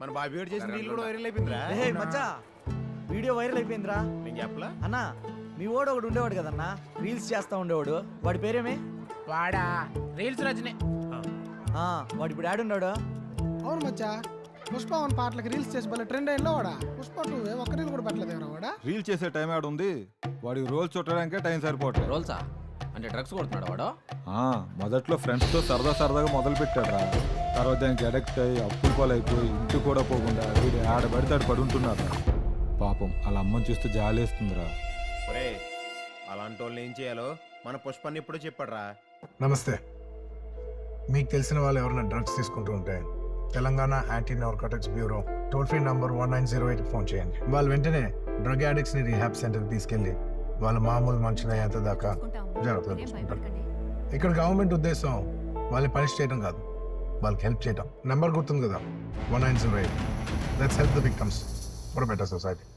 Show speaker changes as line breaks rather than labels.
మన బాబీ గారు చేసిన రీల్ కూడా వైరల్ అయిపోయిందిరా.
రే మచ్చా వీడియో వైరల్ అయిపోయిందిరా.
నేను చెప్పలా
అన్నా మీ వాడు ఒకడు ఉండేవాడు కదన్నా, రీల్స్ చేస్తా ఉండేవాడు. వాడి పేరేమే?
వాడా రీల్స్ రజనే.
వాడు ఇప్పుడు ఆడున్నాడు.
అవును మచ్చా, పుష్ప 1 పాటలకి రీల్స్ చేసి భలే ట్రెండ్ అయిందో వాడా. పుష్ప 2 ఒక్క రీల్ కూడా పెట్టలేదు వాడా.
రీల్ చేసే టైం ఆడ ఉంది, వాడికి రోల్ చుట్టడానికే టైం సరిపోవట్లేదు.
రోల్సా అంటే డ్రగ్స్ కొడుతున్నాడు వాడు?
మొదట్లో ఫ్రెండ్స్తో సరదాగా మొదలు పెట్టాడు. తర్వాత దానికి అడిక్ట్ అయ్యి అప్పులు పాలైపోయి ఇంటి కూడా పోకుండా వీడు ఆడబడితే ఆడు పడుంటున్నాడు. పాపం అలా అమ్మని చూస్తూ జాలేస్తుందిరా.
ఒరే అలాంటి వాళ్ళని ఏం చేయాలో మన పుష్పాన్ని ఎప్పుడో చెప్పాడురా.
నమస్తే. మీకు తెలిసిన వాళ్ళు ఎవరైనా డ్రగ్స్ తీసుకుంటూ ఉంటే Telangana anti narcotics bureau toll free number 1908 phone చేయండి. వాళ్ళు వెంటనే డ్రగ్ అడిక్ట్స్ ని రీహాబ్ సెంటర్కి తీసుకెళ్లి వాళ్ళ మామూలు మనుషులయ్యేంత దాకా జాగ్రత్తగా చూసుకుంటారు. ఇక్కడ గవర్నమెంట్ ఉద్దేశం వాళ్ళని పనిష్ చేయడం కాదు, వాళ్ళకి హెల్ప్ చేయడం. నెంబర్ గుర్తుంది కదా, 1908. Let's help the victims for better society.